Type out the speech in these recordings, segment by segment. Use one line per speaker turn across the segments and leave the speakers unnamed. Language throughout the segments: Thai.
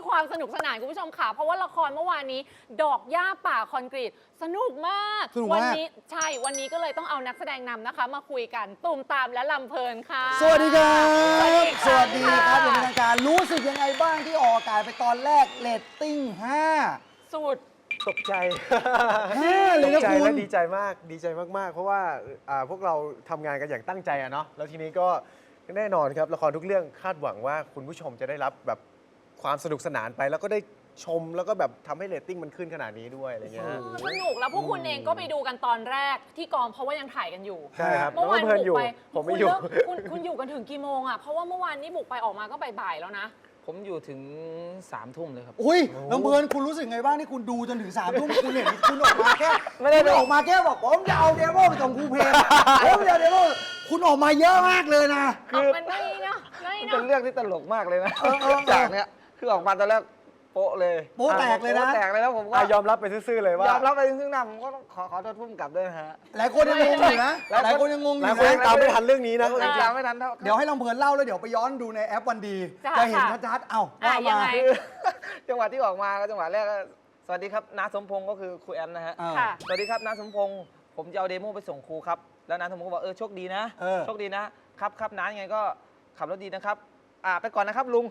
ความสนุกสนานคุณผู้ชมค่ะเพราะว่าละครเมื่อวานนี้ดอกหญ้าป่าคอนกรีตสนุกมากวันนี้ใช่วันนี้ก็เลยต้องเอานักแสดงนำนะคะมาคุยกันตูมตามและลำเพลินค่ะ
สวัสดีครับ
สวัสดีครับ
อย่างเป็นทางการรู้สึกยังไงบ้างที่ออกอากาศไปตอนแรกเรตติ้ง5
สุด
ตกใจ
5เลยนะคุณ
และดีใจมากดีใจมากๆเพราะว่าพวกเราทำงานกันอย่างตั้งใจอะเนาะแล้วทีนี้ก็แน่นอนครับละครทุกเรื่องคาดหวังว่าคุณผู้ชมจะได้รับแบบความสนุกสนานไปแล้วก็ได้ชมแล้วก็แบบทำให้เรตติ้งมันขึ้นขนาดนี้ด้วยอะไรเงี้ย
สนุกแล้วพวกคุณเองก็ไปดูกันตอนแรกที่กองเพราะว่ายังถ่ายกันอยู่
ใช่ครับ
เมื่อวานบุกไป
ผมไม่อยู่
คุณอยู่กันถึงกี่โมงอ่ะเพราะว่าเมื่อวานนี้บุกไปออกมาก็บ่ายๆแล้วนะ
ผมอยู่ถึง3 ทุ่มเลยครับ
อุ้ยลำเพลินคุณรู้สึกไงบ้างที่คุณดูจนถึง3 ทุ่มคุณเห็นคุณออกมาแค่ไม่ได้ออกมาแค่บอกผมจะเอาเดโมไปส่งครูเพลงผมจะเอาเดโมคุณออกมาเยอะมากเลยนะ
มันไม่เนาะ
เป็นเรื่องที่ตลกมากเลยนะจากเนี้ยคือออกมาตอนแรกโป๊ะเลย
โป๊ะแตกเลยนะ
แตกเลยแล้วผมก็
ยอมรับไปซื่อๆเลยว่าย
อมรับไปซึ่งหน้าผมก็ต้องขอโทษพุ่มกลับด้วยนะฮะ
หลายคนยังงงอยู่นะหลายคนยังงงอยู่นะ
ตามไม่ทันเรื่องนี้นะ
ตามไม่ทันเท่า
เดี๋ยวให้ลำเพลินเล่าแล้วเดี๋ยวไปย้อนดูในแอปวันดีจะเห็นชัดๆว่ามา
จังหวะที่ออกมาก็จังหวะแรกสวัสดีครับน้าสมพงศ์ก็คือครูแอนนะฮะสวัสดีครับน้าสมพงศ์ผมจะเอาเดโมไปส่งครูครับแล้วน้าสมพงศ์ก็บอกโชคดีนะโชคดีนะครับน้ายังไงก็ขับรถดีนะครับไปก่อนนะครับลุง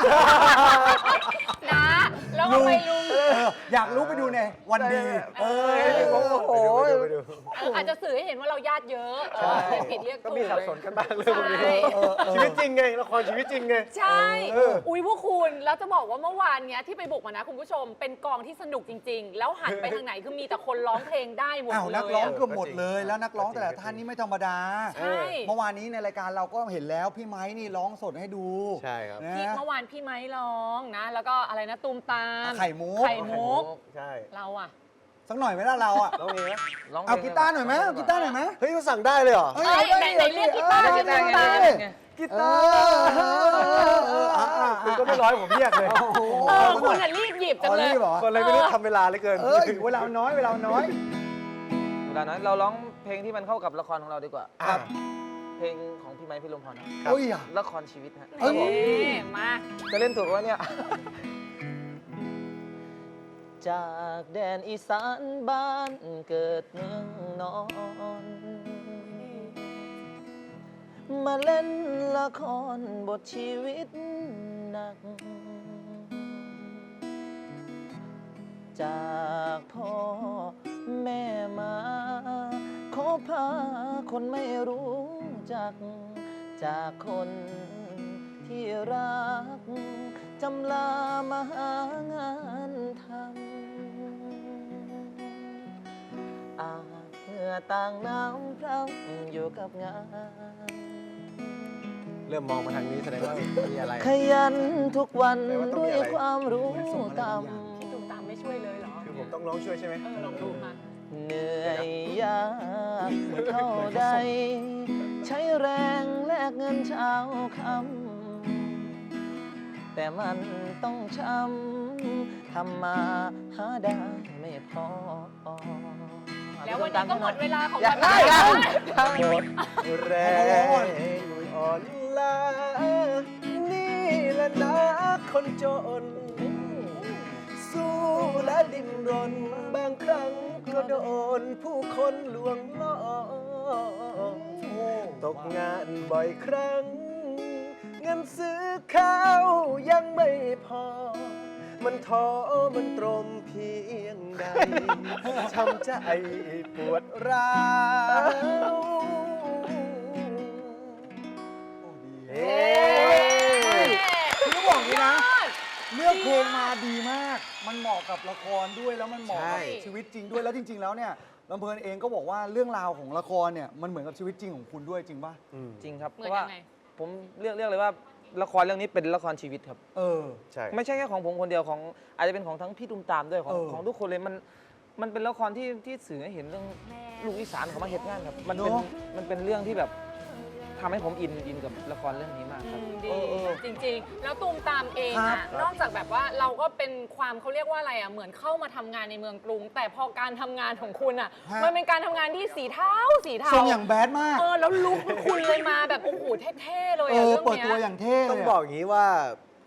นะแล้วก็ไปลุง
อยากรู้ไปดูในวันดี
ผมโอ้โห
อาจจะสื่อให้เห็นว่าเราญาติเยอะผิดเรียก
ก็มีสับสนกันบ้างเลยวันนี้ชีวิตจริงไงละครชีวิตจริงไง
ใช่อุ้ยพวกคุณแล้วจะบอกว่าเมื่อวานเนี้ยที่ไปบุกมานะคุณผู้ชมเป็นกองที่สนุกจริงๆแล้วหันไปทางไหนคือมีแต่คนร้องเพลงได้หมดเลย
นักร้องเกือบหมดเลยแล้วนักร้องแต่ละท่านนี่ไม่ธรรมดาเมื่อวานนี้ในรายการเราก็เห็นแล้วพี่ไม้นี่ร้องสดให้ดู
ใช่ครับ
เมื่อวานพี่ไม้ร้องนะแล้วก็อะไรนะตูมตาม
ไข่มุก
ใช่เราอะ
สักหน่อยไหมล่ะเราอะ
ร้องเอง
เอากีตาร์หน่อยไหมเอากีตาร์หน่อยไหม
เฮ้ยเขาสั่งได้เลยเหรอ
ไหนเรียกกีตาร์
กีตาร์คุณก็ไม่ร้อยผมเรียกเลย
คุณรีบหยิบจังเลย
คนอะไรไม่รู้ทำเวลาเลยเกิน
เวลาน้อย
เราร้องเพลงที่มันเข้ากับละครของเราดีกว่า
ครับ
เพลงของพี่ไม้พี่ลมพรละครชีวิตฮะ
มา
จะเล่นถูกว่าเนี่ยจากแดนอีสานบ้านเกิดเมืองนอนมาเล่นละครบทชีวิตหนักจากพ่อแม่มาขอพาคนไม่รู้จักจากคนที่รักจำลามาหางานทำเหงื่อต่างน้ำพร่ำอยู่กับงาน
เริ่มมองมาทางนี้แสดงว่ามีอะไร
ขยันทุกวันด้วยความรู้ต่ำ
พี่ตูมตามไม่ช่วยเลยเหรอ
คือผมต้องร้องช่วยใช่ไหม
ลองดูมา
เหนื่อยยากเท่าใดใช้แรงแลกเงินเช้าค่ำแต่มันต้องช้ำทำมาหาได้ไม่พอ
แล้ววันนี้ก็หมดเวลาของการได้
หมดแรงอ่อนล้านี่แหละนะคนจนสู้และดิ้นรนบางครั้งก็โดนผู้คนลวงล่อตกงานบ่อยครั้งเงินซื้อข้าวยังไม่พอมันท้อมันตรมเพียงใดช้ำใจปวดร้าว
คือบอกนี้นะเลือกเพลงมาดีมากมันเหมาะกับละครด้วยแล้วมันเหมาะกับชีวิตจริงด้วยแล้วจริงๆแล้วเนี่ยลำเพลินเองก็บอกว่าเรื่องราวของละครเนี่ยมันเหมือนกับชีวิตจริงของคุณด้วยจริงป่ะ
จริงครับเพราะว่าผมเรียกเลยว่าละครเรื่องนี้เป็นละครชีวิตครับ
ใช่
ไม่ใช่แค่ของผมคนเดียวของอาจจะเป็นของทั้งพี่ตุ้มตามด้วยของทุกคนเลยมันเป็นละครที่สื่อให้เห็นเรื่องลูกอีสานของมาเฮ็ดงานครับมันเป็นเรื่องที่แบบทำให้ผมอินกับละครเรื่องนี้มากครับ
จริงๆแล้วตูมตามเองอะนอกจากแบบว่าเราก็เป็นความเขาเรียกว่าอะไรอะเหมือนเข้ามาทำงานในเมืองกรุงแต่พอการทำงานของคุณอะมันเป็นการทำงานที่สีเทา
ทรงอย่างแบดมาก
แล้วลุคคุณเลยมาแบบโอ้โหเท่ๆเลย
เปิดตัวอย่างเท่
ต้องบอกอย่างนี้ว่า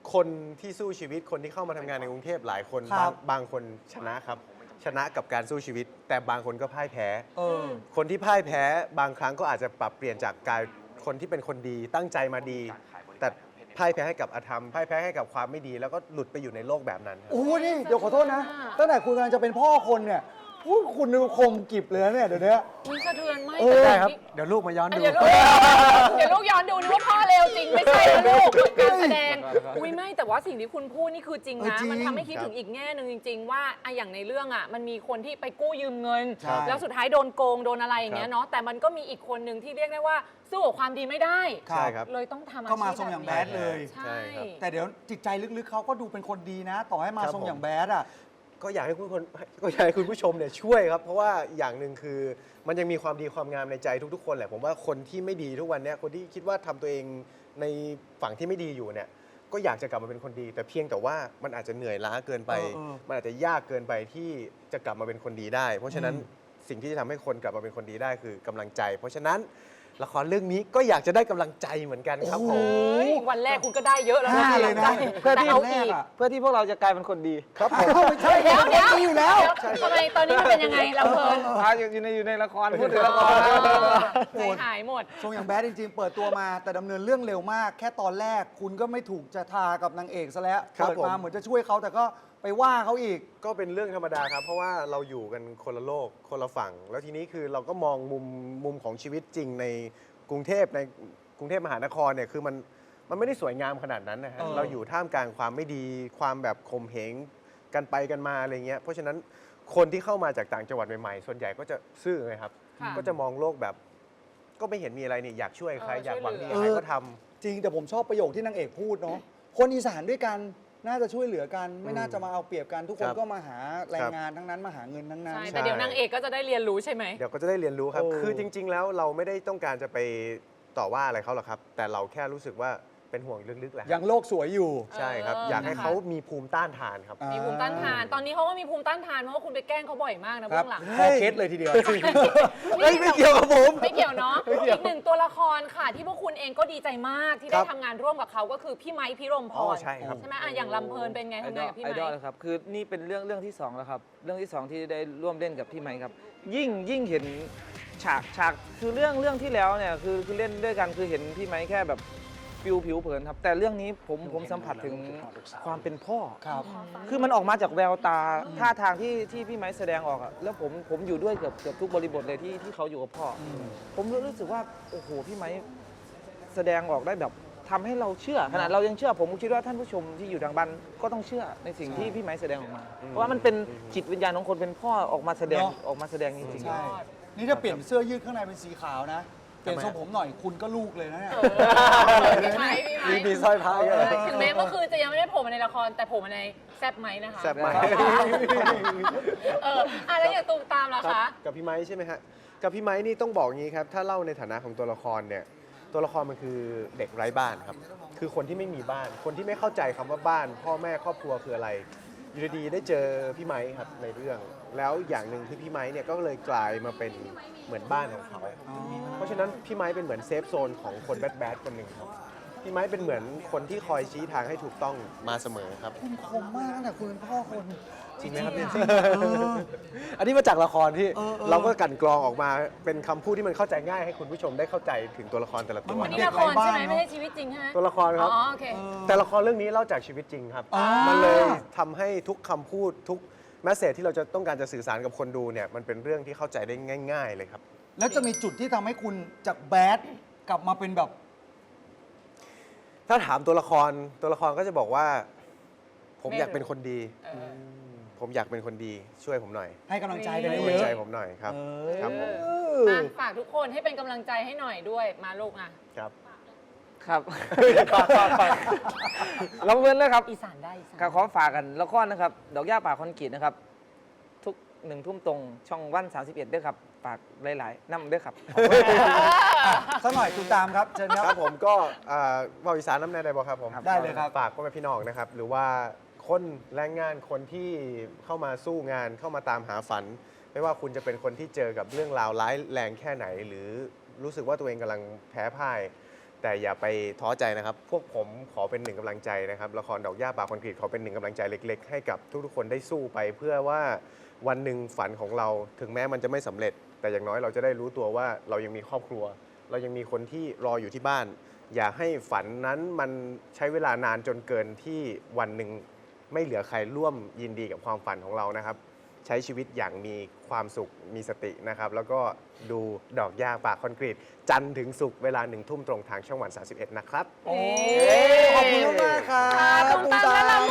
คนที่สู้ชีวิตคนที่เข้ามาทำงานในกรุงเทพหลายคน
ครับ
บางคนชนะครับ ชนะกับการสู้ชีวิต แต่บางคนก็พ่ายแพ้
เออ
คนที่พ่ายแพ้บางครั้งก็อาจจะปรับเปลี่ยนจากกายคนที่เป็นคนดีตั้งใจมาดี แต่พ่ายแพ้ให้กับอธรรมพ่ายแพ้ให้กับความไม่ดี แล้วก็หลุดไปอยู่ในโลกแบบนั้นครับ
โอ้โหนี่เดี๋ยวขอโทษนะตั้งแต่คุณกำลังจะเป็นพ่อคนเนี่ยพูดคุณดูคมกริบเลยนะเนี่ยเดี๋ยวนี้
อุ๊ยสะเทือนไหม
เออ
แต่
ได้ครับ
นี่
เดี๋ยวลูกมาย้อนดู
เดี๋ยวลูกเดี๋ยวลูกย้อนดูนึกว่าพ่อเลวจริงไม่ใช่นะลูกการแสดงอุ้ยไม่แต่ว่าสิ่งที่คุณพูดนี่คือจริง
เออ
นะ
จริง
มันทำให้คิดถึงอีกแง่หนึ่งจริง ๆ ว่าอะอย่างในเรื่องอ่ะมันมีคนที่ไปกู้ยืมเงิน
ใช่
แล้วสุดท้ายโดนโกงโดนอะไรอย่างเงี้ยเนาะแต่มันก็มีอีกคนหนึ่งที่เรียกได้ว่าสู้กับความดีไม่ได้
ใช่ครับ
เลยต้องทำอาชีพ
ก็มาทรงอย่างแบดเลย
ใช่
ครับ
แต่เดี๋ยวจิตใจลึกๆเขาก็ดูเป็นคนดีนะ ต่อให้มา
ครับ
ทรง
ผม
อย่างแบดอ่ะ
ก็อยากให้คุณผู้ชมเนี่ยช่วยครับ เพราะว่าอย่างหนึ่งคือมันยังมีความดีความงามในใจทุกๆคนแหละผมว่าคนที่ไม่ดีทุกวันเนี้ยคนที่คิดว่าทำตัวเองในฝั่งที่ไม่ดีอยู่เนี่ยก็อยากจะกลับมาเป็นคนดี แต่เพียงแต่ว่ามันอาจจะเหนื่อยล้าเกินไป มันอาจจะยากเกินไปที่จะกลับมาเป็นคนดีได้ เพราะฉะนั้นสิ่งที่จะทำให้คนกลับมาเป็นคนดีได้คือกำลังใจ เพราะฉะนั้นละครเรื่องนี้ก็อยากจะได้กำลังใจเหมือนกันครับผม
เฮ้ยวันแรกคุณก็ได้เยอะแล้วนะ
ได้เลยนะ
เพื่อที่
แต่เอา
แร
อี
ก
ก
อะ
เพื่อที่พวกเราจะกลายเป็นคนดี
ครับผม
ไม่ใช่
เดี๋ยวเดี๋ยว
ดีอยู่แล้ว
ทำไมตอนนี้มันเป็นยังไงเราเพลิน
อยู่ในละครพูดถึงละครนะ
ใจหายหมด
ทรงอย่างแบดจริงๆ เปิดตัวมาแต่ดำเนินเรื่องเร็วมาก แค่ตอนแรกคุณก็ไม่ถูกจะทากับนางเอกซะแล้ว
ครับ
เปิดมา
ผม
เหมือนจะช่วยเขาแต่ก็ไปว่าเขาอีก
ก็เป็นเรื่องธรรมดาครับ เพราะว่าเราอยู่กันคนละโลกคนละฝั่ง แล้วทีนี้คือเราก็มองมุมของชีวิตจริงในกรุงเทพมหานครเนี่ยคือมันไม่ได้สวยงามขนาดนั้นนะฮะ
เออ
เราอยู่ท่ามกลางความไม่ดีความแบบข่มเหงกันไปกันมาอะไรเงี้ยเพราะฉะนั้นคนที่เข้ามาจากต่างจังหวัดใหม่ๆส่วนใหญ่ก็จะซื่อไงครับ
ค่ะ
ก็จะมองโลกแบบ ก็ไม่เห็นมีอะไรนี่อยากช่วยใคร
เออ
อยากหวังดี
ช่วยเหลือ
ใครก็ทำ
จริงแต่ผมชอบประโยคที่นางเอกพูดเนาะคนอีสานด้วยกันน่าจะช่วยเหลือกัน ไม่น่าจะมาเอาเปรียบกันทุกคน
ครับ
ก็มาหาแรงงานทั้งนั้นมาหาเงินทั้งนั้น
ใช่แต่เดี๋ยวนางเอกก็จะได้เรียนรู้ใช่ไหม
เดี๋ยวก็จะได้เรียนรู้ครับ
โอ้
คือจริง ๆ แล้วเราไม่ได้ต้องการจะไปต่อว่าอะไรเขาหรอกครับ แต่เราแค่รู้สึกว่าเป็นห่วงลึกๆแหละ
ยังโลกสวยอยู่
ใช่ครับ อยากให้เขามีภูมิต้านทานครับ
มีภูมิต้านทาน ตอนนี้เขาก็มีภูมิต้านทานเพราะว่าคุณไปแกล้งเขาบ่อยมากนะ
ครั
เบื้
บ
องหลัง
พอเคสเลยทีเดียว
เฮ้ยไม่เกี่ยวกับผม
ไม่เกี่ยวเนาะอีกหนึ่งตัวละครค่ะ ที่พวกคุณเองก็ดีใจมากที่ได้
ครับ
ทำงานร่วมกับเขาก็คือพี่ไม้พิรมพ
อ๋อ
ร
ใช่ครับ
ใช่ไหมอ่ะอย่างลำเพลินเป็นไงทำงานกับพี่
ไอ
ไม้
ดอลนะครับคือนี่เป็นเรื่องที่สองแล้วครับเรื่องที่สองที่ได้ร่วมเล่นกับพี่ไมค์ครับยิ่งเห็นฉากคือเรื่องที่แล้วเนี่ยคือเล่นด้วยกันคือเห็นพี่ไมค์แค่แบบผิวเผินครับแต่เรื่องนี้ผมสัมผัสถึงความเป็นพ่อ
ครับ
คือมันออกมาจากแววตาท่าทางที่พี่ไม้แสดงออกอะแล้วผมอยู่ด้วยเกือบทุกบริบทเลยที่เขาอยู่กับพ่ออผมรู้สึกว่าโอ้โหพี่ไม้แสดงออกได้แบบทำให้เราเชื่อขนาดเรายังเชื่อผมคิดว่าท่านผู้ชมที่อยู่ทางบ้านก็ต้องเชื่อในสิ่งที่พี่ไม้แสดงออกมา เพราะว่ามันเป็นจิตวิญญาณของคนเป็นพ่อออกมาแสดง
เนอะ
ออกมาแสดงจริง
ใช่ นี่ถ้าเปลี่ยนเสื้อยืดข้างในเป็นสีขาวนะ เปลี่ยนทรงผมหน่อยคุณก็ลูกเลยนะเนี่ย
พี่ไม้พี่ไม้
มีสร้อยพระเยอะ
ถึงแม้เมื่อคืนจะยังไม่ได้โผล่มาในละครแต่โผล่มาในแซบไหมนะคะ
แซ่บไหม
แล้วอย่างตูมตามล่ะ
ครั
คะ
บกับพี่ไม้ใช่ไหมฮะกับพี่ไม้นี่ต้องบอกงี้ครับ ถ้าเล่าในฐานะของตัวละครเนี่ยตัวละครมันคือเด็กไร้บ้านครับ คือคนที่ไม่มีบ้าน คนที่ไม่เข้าใจคำว่าบ้าน พ่อแม่ครอบครัวคืออะไรอยู่ดีๆได้เจอพี่ไม้ครับในเรื่อง แล้วอย่างหนึ่งที่พี่ไม้เนี่ยก็เลยกลายมาเป็นเหมือนบ้านของเขา เพราะฉะนั้นพี่ไม้เป็นเหมือนเซฟโซนของคนแบดๆคนหนึ่งครับพี่ไม้เป็นเหมือนคนที่คอยชี้ทางให้ถูกต้องมาเสมอครับ
คุณคมมากตั้งแต่คุณเป็นพ่อคน
จริงไหมครับเนี่ย
จริงๆเออ
อันนี้มาจากละครที่
เออ
เราก็กลั่นกรองออกมาเป็นคำพูดที่มันเข้าใจง่ายให้คุณผู้ชมได้เข้าใจถึงตัวละครแต่ละตัว
อันนี้ละครใช่ไหมไม่ใช่ชีวิตจริงใช่ไหม
ตัวละครครับ
อ๋อโอเค
แต่ละครเรื่องนี้เล่าจากชีวิตจริงครับ
อ่ามั
มันเลยทำให้ทุกคำพูดทุกแมสเซจที่เราจะต้องการจะสื่อสารกับคนดูเนี่ยมันเป็นเรื่องที่เข้าใจได้ง่าย ๆ เลยครับ
แล้วจะมีจุดที่ทำให้คุณจากแบดกลับมาเป็นแบบ
ถ้าถามตัวละครก็จะบอกว่า ผมอยากเป็นคนดี ผมอยากเป็นคนดีช่วยผมหน่อย
ให้กำลังใจกัน
ให้
เย
กำลัง
อะ
ใจผมหน่อยครับ ครับผม
อ่ะฝากทุกคนให้เป็นกำลังใจให้หน่อยด้วยมาลูกอ่ะ
ครับ
ๆ ครับเราเว้นเลยครับ
อีสานได้อีสาน
ขอฝากกันละครนะครับ ดอกหญ้าป่าคอนกรีตนะครับ ทุก1 ทุ่มตรงช่องวัน 31ด้วยครับฝากหลายๆน้ำด้วยครับ
สักหน่อยคุณตามครับเชิญค
ค
รั
รั
บบ
ผมก็เบาอีสานน้ำแน่ได้บ่ครับผม
ได้เลยครับ
ฝากพ่อแม่พี่น้องนะครับ หรือว่าคนแรงงานคนที่เข้ามาสู้งานเข้ามาตามหาฝัน ไม่ว่าคุณจะเป็นคนที่เจอกับเรื่องราวร้ายแรงแค่ไหน หรือรู้สึกว่าตัวเองกำลังแพ้พ่ายแต่อย่าไปท้อใจนะครับ พวกผมขอเป็นหนึ่งกำลังใจนะครับละครดอกหญ้าป่าคอนกรีตขอเป็นหนึ่งกำลังใจเล็ก ๆ ให้กับทุกๆคนได้สู้ไป เพื่อว่าวันหนึ่งฝันของเราถึงแม้มันจะไม่สำเร็จ แต่อย่างน้อยเราจะได้รู้ตัวว่าเรายังมีครอบครัว เรายังมีคนที่รออยู่ที่บ้าน อย่าให้ฝันนั้นมันใช้เวลานานจนเกินที่วันหนึ่งไม่เหลือใครร่วมยินดีกับความฝันของเรานะครับ ใช้ชีวิตอย่างมีความสุขมีสตินะครับ แล้วก็ดูดอกหญ้าป่าคอนกรีต จันทร์ถึงศุกร์เวลา1 ทุ่มตรงทางช่องวัน 31 นะครับ
โอ้ขอบคุณมากๆครับ
ตูมตามและลำ